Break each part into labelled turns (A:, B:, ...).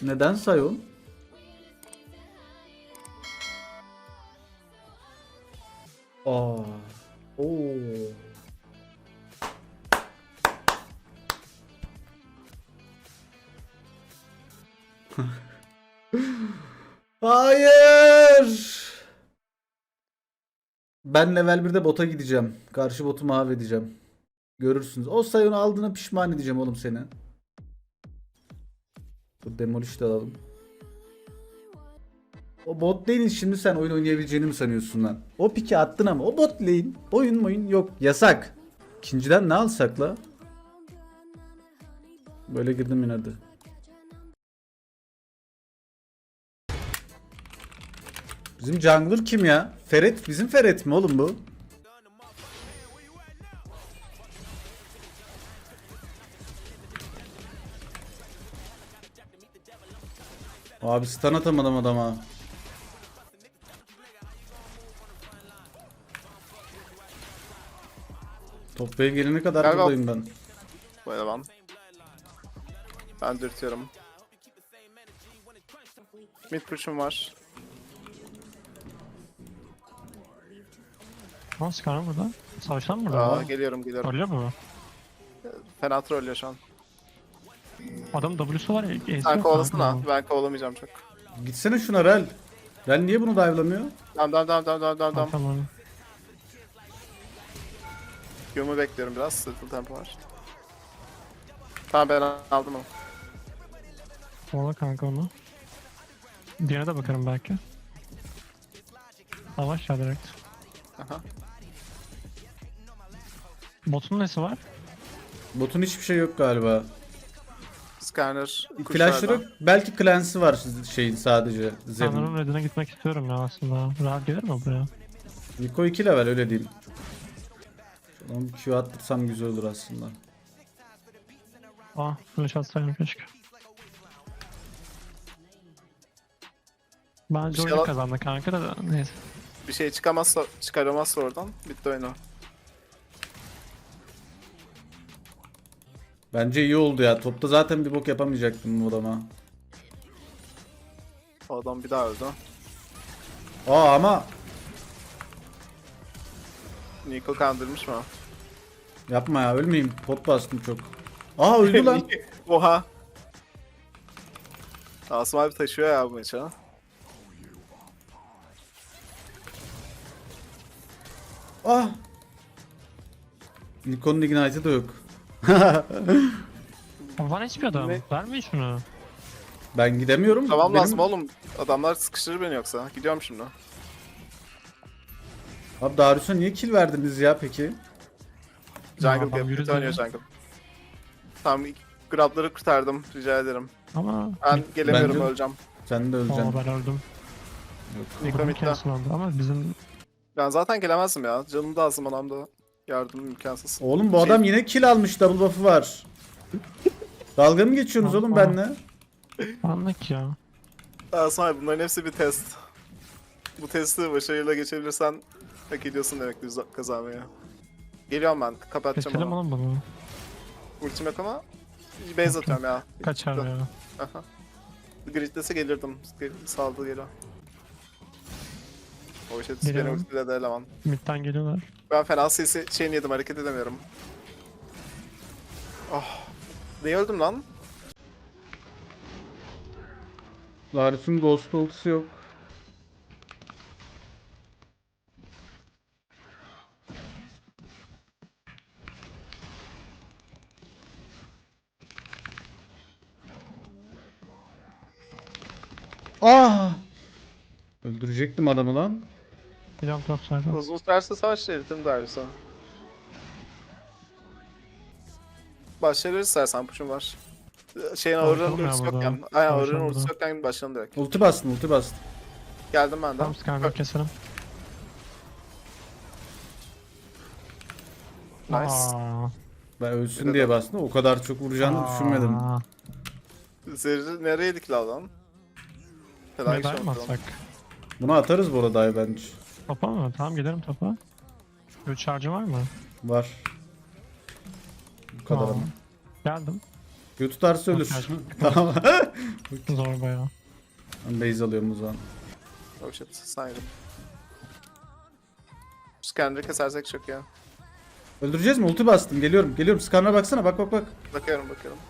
A: Neden Sion? Aa. Oo. Hayır. Ben level 1'de bota gideceğim. Karşı botu mahvedeceğim. Görürsünüz. O Sion'u aldığına pişman edeceğim oğlum seni. Bu demolish de alalım. O bot lane'in şimdi sen oyun oynayabileceğini mi sanıyorsun lan? O piki attın ama o bot lane oyun yok. Yasak. İkinciden ne alsak la? Böyle girdim yine de. Bizim jungler kim ya? Ferret bizim Ferret mi oğlum bu? Abi stun atamadım adama. Topaya gelene kadar
B: Galiba-
A: buradayım ben.
B: Bu eleman. Ben dürtüyorum. Mid push'um var.
C: Nasıl kanka burada? Savaştan mı burada?
B: Aa, geliyorum.
C: Öyle mi?
B: Fena trollüyor şu an.
C: Adam W'su var ya. eziyor
B: Sen kovalasana.
C: kanka.
B: Ben kovalamayacağım çok.
A: Gitsene şuna Rel. Rel niye bunu dive'lamıyor?
B: Dam.
C: Tamam.
B: Q'mu bekliyorum biraz. Sırtıl tempo var. Tamam ben aldım onu.
C: Kovala kanka onu. Diğerine de bakarım belki. Savaş ya direkt.
B: Aha.
C: Botun nesi var?
A: Botun hiçbir şey yok galiba.
B: Scanner.
A: Flashları yok. Belki cleanse'i var şeyin sadece.
C: Sanırım
A: Zed'in.
C: Red'ine gitmek istiyorum ya aslında. Rahat gelir mi buraya?
A: Niko 2 level öyle diyeyim. Şuradan bir Q attırsam güzel olur aslında.
C: Ah, flash atsaydım keşke. Bence
B: şey
C: oyunu
B: al-
C: kazandı kanka da neyse.
B: Bir şey çıkaramazsa oradan. Bitti oyunu.
A: Bence iyi oldu ya. Topta zaten bir bok yapamayacaktım bu adama.
B: O adam bir daha öldü.
A: Aa ama
B: Nico kandırmış mı?
A: yapma ya ölmeyeyim. Pot bastım çok. Aa öldü lan.
B: Oha. Asım abi taşıyor ya bu maçı.
A: Ah. Niko'nun ignite'ı da yok.
C: Var hiçbir adam.
B: Ne?
C: Vermeyin şunu.
A: Ben gidemiyorum.
B: Tamam
A: Benim-
B: lazım oğlum. Adamlar sıkıştırır beni yoksa. Gidiyorum şimdi.
A: Abi Darius'a niye kill verdiniz ya peki?
B: Jungle
C: adam
B: yapıp
C: yürüdü
B: oynuyor
C: ya.
B: jungle. Tamam grabları kurtardım. Rica ederim.
C: Ama
B: Ben gelemiyorum
A: Bence-
B: öleceğim.
A: Sen de
C: Aa,
A: öleceksin.
C: ben öldüm.
B: Nico
C: Adamın
B: midde.
C: kendisi oldu ama bizim
B: Ben zaten gelemezdim ya. Canım da azım anamda. Yardım imkansız.
A: Oğlum bu
B: Şey-
A: adam yine kill almış. Double buff'ı var. Dalga mı geçiyorsunuz oğlum
C: Aa.
A: benimle?
C: anlık ya.
B: Asım abi bunların hepsi bir test. Bu testi başarıyla geçebilirsen hak ediyorsun demektir kazanmayı. Geliyorum ben. Kapatacağım
C: Keselim
B: onu.
C: oğlum bunu.
B: Ultim yok ama base atıyorum ya.
C: Kaçar ya.
B: Aha. Gridlese gelirdim. Saldı geliyor. O işe beni
C: Geliyorum.
B: ultiledi eleman.
C: Mid'den geliyorlar.
B: Ben fena sesi şeyini yedim hareket edemiyorum. Oh. Niye öldüm lan?
A: Darius'un ghost ultisi yok. Ah! Öldürecektim adamı lan.
C: Biliyorum top saydım.
B: Uzun sürerse savaş eritim Darius'a. Başlayabiliriz istersen push'um var. Şeyin Aurora'nın
C: Bakalım ya
B: ultisi
C: burada.
B: yokken. Aynen
C: Savaşalım
B: Aurora'nın ultisi
C: burada.
B: yokken başlayalım direkt.
A: Ulti bastın, ulti bastın.
B: Geldim ben de.
C: Tamam Skarner keselim.
B: Nice.
C: Aa,
A: Ben ölsün
B: Bir
A: diye
B: de-
A: bastım. O kadar çok vuracağını düşünmedim.
C: aa.
B: Zerri nereye dikla lan? Fena iş
C: Medal mı
B: oldu.
C: atsak?
A: Bunu atarız bu arada ay bence.
C: Topa mı? Tamam gidelim topa. 3 şarjı var mı?
A: Var. Bu kadar
C: Aa.
A: ama.
C: Geldim.
A: Q tutarsa ölür.
C: Yok,
A: Tamam.
C: Zor bayağı.
A: Ben base alıyorum o zaman.
B: Oh shit, saydım. Scanner'ı kesersek çok ya.
A: Öldüreceğiz mi? Ulti bastım. Geliyorum. Geliyorum. Skarner'a baksana. Bak bak bak.
B: Bakıyorum.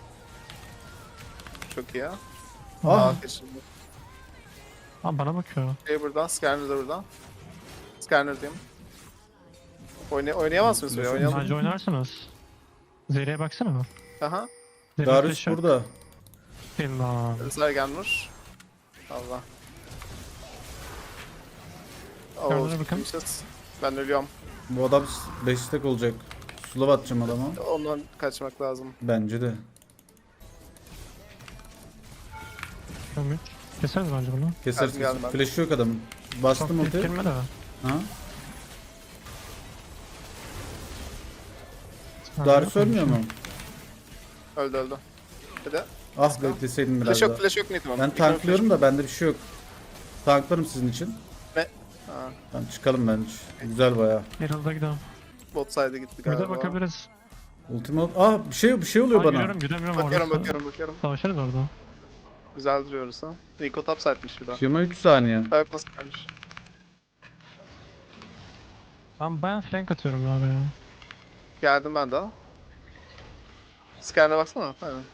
B: Çok iyi ya.
A: Ah.
B: Keşke.
C: Aa bana bakıyor.
B: Şey burada, Scanner da burada. Scanner diyeyim. Oynayamaz mıyız böyle? Oynayalım.
C: Bence oynarsınız. Zeri'ye baksana mı?
B: Aha.
A: Darius burada.
C: İlla.
B: Rızar gelmiş. Allah.
C: Scanner'a bakın.
B: shit. Ben ölüyorum.
A: Bu adam 5 stack olacak. Sula atacağım adama.
B: Ondan kaçmak lazım.
A: Bence de.
C: Ömür. Keseriz bence bunu.
A: Keseriz.
B: Geldim ben.
A: Flash yok adamın. Bastım
C: Çok
A: ulti.
C: girme de.
A: Ha? Darius ölmüyor mu?
B: Öldü. Hadi.
A: Ah bekleseydim biraz
B: Flash
A: daha.
B: yok, flash yok Nitman.
A: Ben tanklıyorum da bende bir şey yok. Tanklarım sizin için.
B: Ne? Ha,
A: Tamam çıkalım bence. Güzel baya.
C: Herald'a gidelim.
B: bot side'e gitti
C: Bir
B: galiba.
C: de bakabiliriz.
A: Ultimate. Ah bir şey oluyor
C: Aa,
A: bana.
C: Yürüyorum
B: Bakıyorum.
C: Savaşırız orada.
B: Güzel duruyoruz ha. Nico top side'miş bir daha.
A: Q'ma 3 saniye.
B: Ayak nasıl gelmiş?
C: Ben bayağı flank atıyorum abi ya.
B: Geldim ben daha. Scanner'a baksana. Aynen.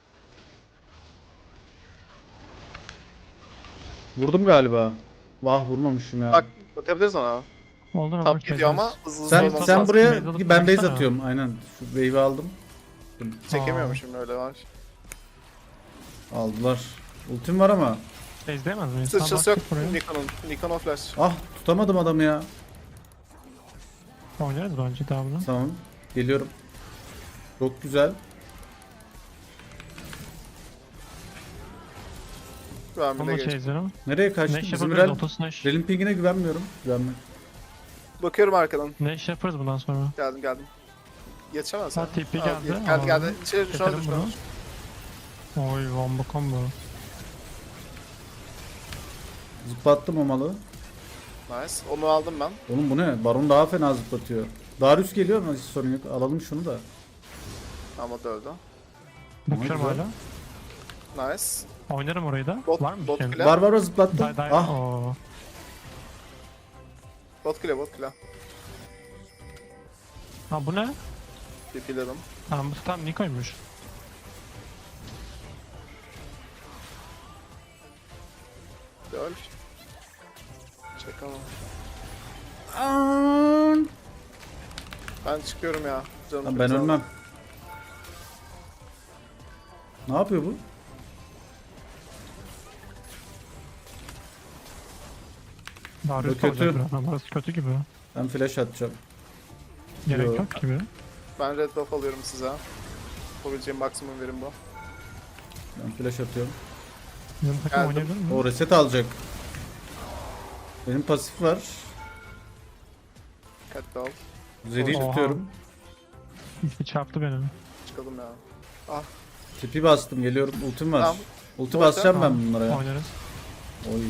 A: Vurdum galiba. Vah vurmamışım ya.
B: Bak, bakabiliriz ona.
C: Oldu mu?
B: Top gidiyor ama hızlı
A: sen
B: olması
A: sen
B: lazım.
A: buraya
C: Base alıp
A: ben base
C: baksana.
A: atıyorum. Aynen. Şu wave'i aldım.
B: Çekemiyormuşum öyle var.
A: Aldılar. Ultim var ama.
C: Base'deyemez miyiz?
B: Sıçrası yok
C: Buraya.
B: Nikon'un flash.
A: Ah tutamadım adamı ya.
C: Oynarız bence daha bunu.
A: Tamam. Geliyorum. Çok güzel.
B: Ben
C: Bunu
B: bile
C: da
B: geçtim.
C: chase'lerim.
A: Nereye kaçtı?
C: Neş
A: Bizim
C: yapabiliriz.
A: Rel...
C: Otosnash.
A: Rel'in pingine güvenmiyorum. Güvenmek.
B: Bakıyorum arkadan.
C: Neş yaparız bundan sonra.
B: Geldim. Yetişemez
C: Ha,
B: ha.
C: TP
B: Aa,
C: geldi.
B: Geldi. İçeri şu an
C: Keselim
B: düşman.
C: bunu. Oy combo.
A: Zıplattım o malı.
B: Nice. Onu aldım ben.
A: Oğlum bu ne? Baron daha fena zıplatıyor. Darius geliyor ama hiç sorun yok. Alalım şunu da.
B: Ama da öldü.
C: Bakıyorum
A: güzel.
C: hala.
B: Nice.
C: Oynarım orayı da.
B: Bot-
C: Var mı
B: bot
C: bir şey?
B: kule.
A: Var zıplattım.
C: Day.
A: Ah.
C: Oo.
B: Bot kule.
C: Ha bu ne?
B: TP'ledim.
C: Tamam bu tam Niko'ymuş.
B: Öl. Çakalım. Ben çıkıyorum ya. Canım
A: Lan
B: çok
A: ben
B: sağ ol.
A: ölmem. Ne yapıyor bu?
C: Darius
A: Bu kötü.
C: olacak biraz. Burası kötü gibi.
A: Ben flash atacağım.
C: Gerek
A: Yo.
C: yok gibi.
B: Ben red buff alıyorum size. Yapabileceğim maksimum verim bu.
A: Ben flash atıyorum.
C: Bizim takım
B: Geldim.
C: oynayabilir mi?
A: O reset alacak. Benim pasif var.
B: Dikkatli ol.
A: Zeri'yi
C: Oha.
A: tutuyorum.
C: Bir çarptı beni.
B: Çıkalım ya.
A: Tipi bastım geliyorum. Ultim var.
B: Tamam.
A: Ulti
B: Orta.
A: basacağım ben
C: Tamam.
A: bunlara ya.
C: Oynarız.
A: Oy.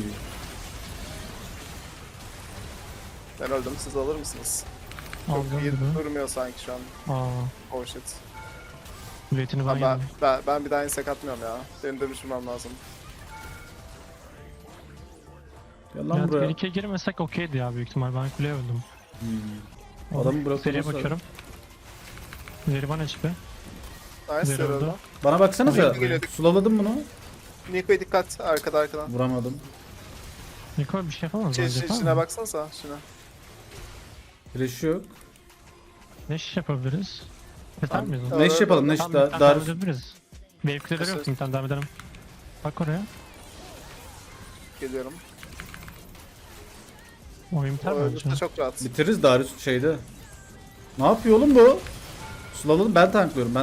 B: Ben öldüm. Siz alır mısınız? Çok
C: Aldım
B: iyi
C: gibi.
B: durmuyor sanki şu an.
C: Aa.
B: Oh shit.
C: Üretini ben
B: Ben,
C: yedim.
B: ben bir daha insek atmıyorum ya. Benim de düşünmem lazım.
A: Gel lan
C: Yani
A: buraya.
C: tehlikeye girmesek okeydi ya büyük ihtimal. Ben kuleye öldüm.
A: Adamı bırakılması
C: Seriye
A: lazım.
C: bakıyorum. Zeri bana HP.
B: Nice
C: Zero
B: öldü.
C: oldu.
A: Bana baksanıza.
B: Oraya gelelim.
A: Sulaladım bunu.
B: Niko'ya dikkat arkadan.
A: Vuramadım.
C: Niko bir şey yapamaz bence. yapar
B: Şuna
C: mı?
B: baksanıza şuna.
A: Flash yok.
C: Ne iş yapabiliriz? Keser
A: Tamam.
C: miyiz?
B: Tamam.
A: Ne iş yapalım? Ne iş?
C: Tamam, bir tane
A: Darius.
C: devam edebiliriz. Wave kuleleri yok
B: Keser.
C: bir tane devam edelim. Bak oraya.
B: Geliyorum.
C: Oyun
B: O
C: biter
B: öldürse
C: bence.
B: çok rahat.
A: Bitiririz Darius şeyde. Ne yapıyor oğlum bu? Sulaladım ben tanklıyorum.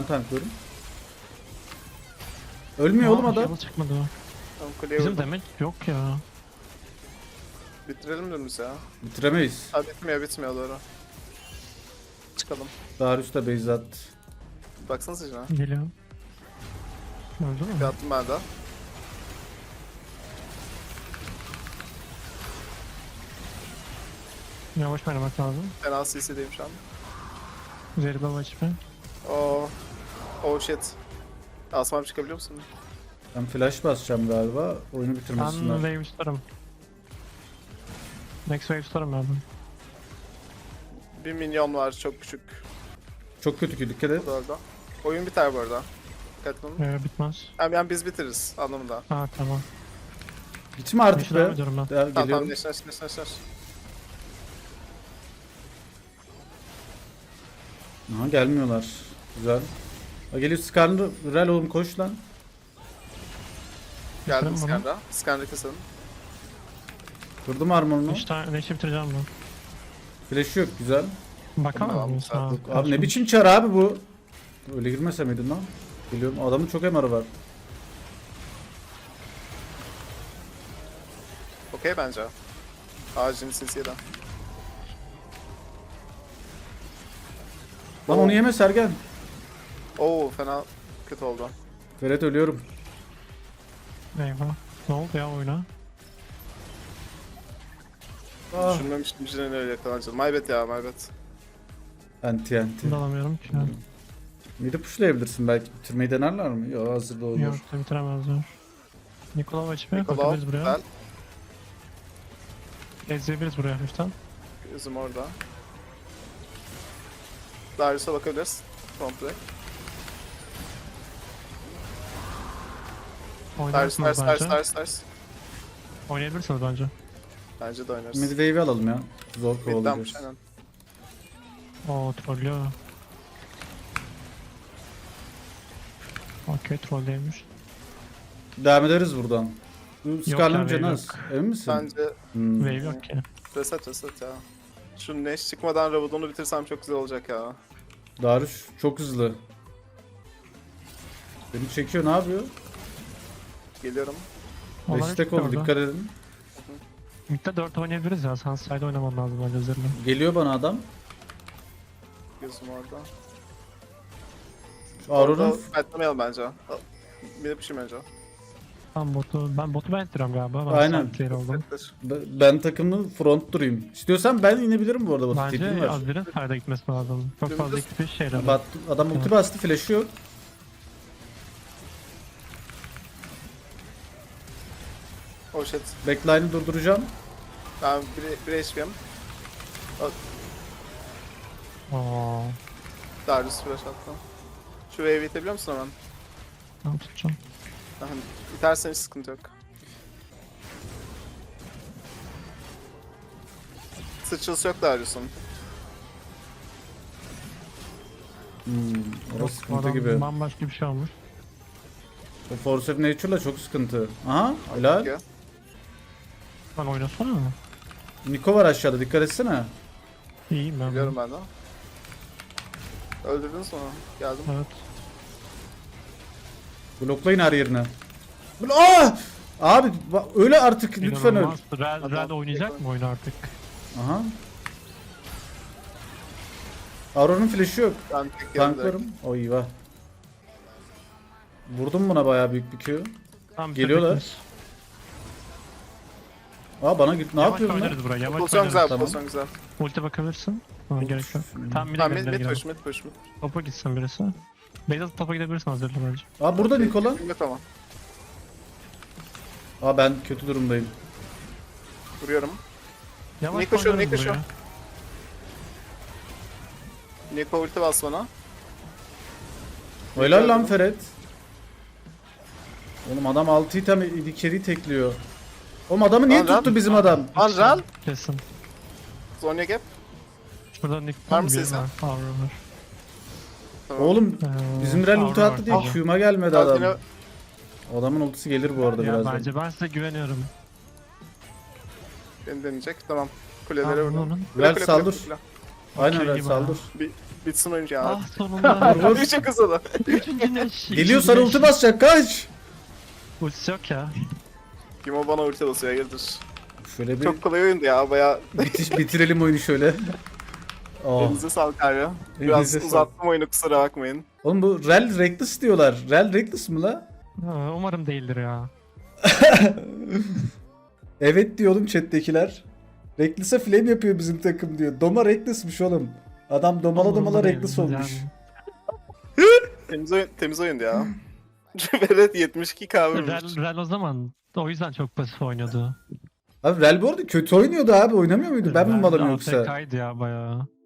A: Ölmüyor oğlum adam.
C: Heal çıkmadı.
B: Tamam kuleye
C: Bizim
B: vurdum.
C: demek yok ya.
B: Bitirelim dümdüz ya.
A: Bitiremeyiz.
B: Ha bitmiyor doğru. Çıkalım.
A: Darius da base attı.
B: Baksanıza şuna.
C: Geliyor. Öldü
B: Bir
C: mü?
B: attım ben de.
C: Yavaş oynamak lazım.
B: Fena CC'deyim şu an.
C: Zeri baba HP.
B: Oh. Oh shit. Asmam çıkabiliyor musun?
A: Ben flash basacağım galiba. Oyunu
C: Ben
A: bitirmesinler.
C: wave tutarım. Next wave tutarım ben.
B: Bir minyon var çok küçük.
A: Çok kötü ki, dikkat et.
B: Bu da orada. Oyun biter bu arada. Dikkatli olun.
C: Bitmez.
B: Yani biz bitiririz anlamında.
C: Ha tamam.
A: Gitme artık
C: Neşe devam
A: be.
C: ediyorum ben.
A: Ya,
B: Tamam tamam
A: geliyorum.
B: neşter.
A: Aha, gelmiyorlar. Güzel. Ha, geliyor Skarner. Rel oğlum, koş lan.
B: Geldim
C: Bitirelim bunu.
B: Skan'da. Skan'da keselim.
A: Kırdım armorunu.
C: Neşe bitireceğim ben.
A: Flash yok, güzel.
C: Bakamaz
B: Tamam,
C: mıyız?
B: tamam.
C: Ha,
A: Abi ne
C: kaçmış.
A: biçim çar abi bu? Öyle girmese miydin lan? Geliyorum. Adamın çok MR'ı var.
B: Okey bence. Ağacın sinsiyeden.
A: Lan onu yeme Sergen.
B: Oo fena kötü oldu.
A: Ferhat, ölüyorum.
C: Eyvah. Ne oldu ya oyuna?
A: Ah.
B: Düşünmemiştim Jin'in öyle yakalanacağını. My bad ya my bad.
A: Anti.
C: Şimdi alamıyorum ki.
A: Midi pushlayabilirsin belki. Bitirmeyi denerler mi? Yok, hazırda olur.
C: Yok bitiremezler. Nikolov HP
B: Nikola
C: bakabiliriz buraya.
B: güzel.
C: Ezleyebiliriz buraya hafiften.
B: Gözüm orada. Darius'a bakabiliriz. Komple.
C: Oynarsınız bence.
B: Darius.
C: Oynayabilirsiniz bence.
B: Bence de oynarız.
A: Mid wave'i alalım ya. Zor
B: Mid'denmiş
A: kovalayacağız.
B: aynen.
C: Oo trollüyor. Okey trolleymiş.
A: Devam ederiz buradan. Bu Skarner'ın
C: wave
A: canı az.
C: yok.
A: Emin misin?
B: Bence
A: Hmm.
C: Wave yok ki.
B: reset ya. Şu Neş çıkmadan Rabadon'u bitirsem çok güzel olacak ya.
A: Darius çok hızlı. Beni çekiyor, ne yapıyor?
B: Geliyorum.
C: Onlar
A: Destek
C: hiç
A: ol,
C: orada.
A: dikkat edin.
C: Mid'de 4 oynayabiliriz ya. Sunside oynamam lazım bence üzerine.
A: Geliyor bana adam.
B: Gözüm orada.
A: Şu Aurora'nın
B: Fightlamayalım bence. Bir de pişim önce.
C: Ben botu ben ittiriyorum galiba. Ben
A: Aynen.
C: side player oldum.
A: ben takımlı front durayım. İstiyorsan ben inebilirim bu arada. Batu tipim
C: Bence
A: var.
C: Azir'in side'a gitmesi lazım. Çok fazla
B: Dümdüz.
C: ekipi şeyler.
A: Adam ulti bastı, flash'ı yok.
B: Oh shit.
A: Backline'ı durduracağım.
B: Ben bir HP'yim.
C: Ooo.
B: Darius flash attı. Şu wave'i itebiliyor musun hemen?
C: Ben tutacağım.
B: İtersen hiç sıkıntı yok. Sıçrası yok Darius'un.
A: Orası
C: Yok,
A: sıkıntı
C: adam
A: gibi.
C: bambaşka bir şey olmuş.
A: O Force of Nature'la çok sıkıntı. Aha, helal.
B: Peki.
C: Ben oynasana mı?
A: Niko var aşağıda, dikkat etsene.
C: İyiyim ben.
B: Biliyorum ben de. Öldürdünüz mü onu? Geldim.
C: Evet.
A: Bloklayın her yerine. Abi öyle artık, lütfen öl.
C: İnanılmaz. Red oynayacak mı oyunu artık?
A: Aha. Aurora'nın flash'ı yok.
B: Ben tek yerim direkt.
A: Tanklarım. O eyvah. Vurdum buna bayağı büyük bir Q.
C: Tamam,
A: Geliyorlar.
C: bitirdik
A: Aa, bana git, ne
C: Yavaş
A: yapıyorsun lan?
C: oynarız buraya. Yavaş
B: Pozisyon
C: oynarız.
B: güzel,
A: Tamam.
B: pozisyon güzel.
C: Ulti bakabilirsin. Ama gerek yok. Tam bir
B: Tamam
C: de
B: mid
C: gidelim.
B: push, mid push, mid.
C: Topa gitsin birisi. Beyzat topa gidebilirsin hazırla bence.
A: Aa, burada Nikola.
B: Yok tamam.
A: Aa, ben kötü durumdayım.
B: Vuruyorum.
C: Yavaş
B: Niko şu,
C: oynarız
B: Niko şu.
C: buraya.
B: Niko ulti bas bana.
A: Helal lan Ferhat. Oğlum adam 6 item içeri tekliyor. Oğlum adamı niye
B: Lan, lan.
A: tuttu bizim adam?
B: Anral.
C: Kesin.
B: Zonya gap.
C: Şurada Nick
B: Var mı
C: bir
B: sesin?
C: var. Aurora var.
B: Tamam.
A: Oğlum bizim Rel ulti
C: Aurora
A: attı
C: var.
A: diye
C: Ah.
A: Q'ma gelmedi
B: Sakin
A: adam.
B: ol.
A: Adamın ultisi gelir bu arada
C: Ya
A: birazdan.
C: bence ben size güveniyorum.
B: Beni deneyecek. Tamam. Kulelere
C: Tamam,
B: vurdum.
C: onun.
B: Kule,
A: Rel
B: kule,
A: saldır.
B: kule, kule.
A: Aynen
C: Okey
A: Rel
C: gibi
A: saldır.
B: Bitsin oyuncu ya.
C: Ah sonunda.
A: Vur, vur.
B: Çok hızlı da.
C: Üçüncü neş.
A: Geliyor, sana ulti basacak, kaç.
C: Ultisi yok ya.
B: Kim o bana ulti basıyor hayırdır.
A: Şöyle bir
B: Çok kolay oyundu ya baya.
A: bitirelim oyunu şöyle. Oh.
B: Elinize sağlık abi. Biraz
A: Elinize sağlık.
B: uzattım oyunu kusura bakmayın.
A: Oğlum bu Rel Reckless diyorlar. Rel Reckless mı la?
C: Ha, umarım değildir ya.
A: Evet diyor oğlum chat'tekiler. Reckless'a flame yapıyor bizim takım diyor. Doma Reckless'mış oğlum. Adam domala
C: Umurumda
A: domala
C: değil
A: Reckless
C: yani.
A: olmuş.
B: Temiz oyundu ya. Velet 72k vurmuş.
C: Rel o zaman o yüzden çok pasif oynuyordu.
A: Abi Rel bu arada kötü oynuyordu abi. Oynamıyor muydu? Ben mi
C: Rel
A: malım yoksa?
C: AFK'ydı ya bayağı.